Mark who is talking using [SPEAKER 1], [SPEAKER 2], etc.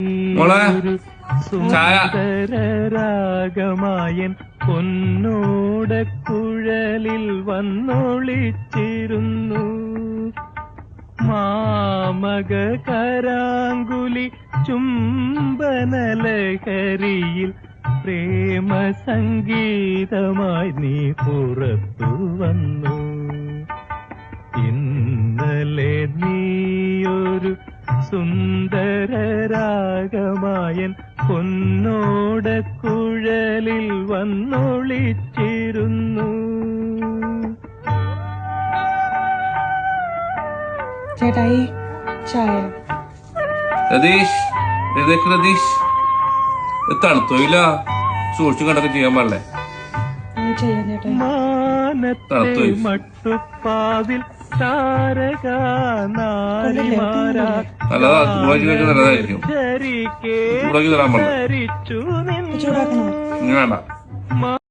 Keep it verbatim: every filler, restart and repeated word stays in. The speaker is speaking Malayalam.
[SPEAKER 1] മോളെ ചായ.
[SPEAKER 2] സുന്ദരരാഗമായൻ പൊന്നോട കുഴലിൽ വന്നൊളിച്ചിരുന്നു. മാമക കരാങ്കുലി ചുംബനലഹരിയിൽ പ്രേമ സംഗീതമായി നീ പുറത്തു വന്നു. ഇന്നലെ നീയൊരു സുന്ദരരാഗമായൻ പൊന്നോട കുഴലിൽ വന്നൊളിച്ചിരുന്നു.
[SPEAKER 3] ചേട്ടായി ചായ.
[SPEAKER 1] രതീഷ് എഴുതേക്ക് രതീഷ്. തണുത്തോയില്ല, സൂക്ഷിച്ചും കണ്ടൊക്കെ ചെയ്യാൻ പാടില്ലേ?
[SPEAKER 2] മാനത്തെ മട്ടുപ്പാവിൽ
[SPEAKER 1] നല്ലതാ, ചൂടാക്കി കഴിക്കാൻ നല്ലതായിരിക്കും. ചൂടാക്കി തരാൻ പാടില്ല.
[SPEAKER 3] ചൂടാക്കണോ?
[SPEAKER 1] വേണ്ട.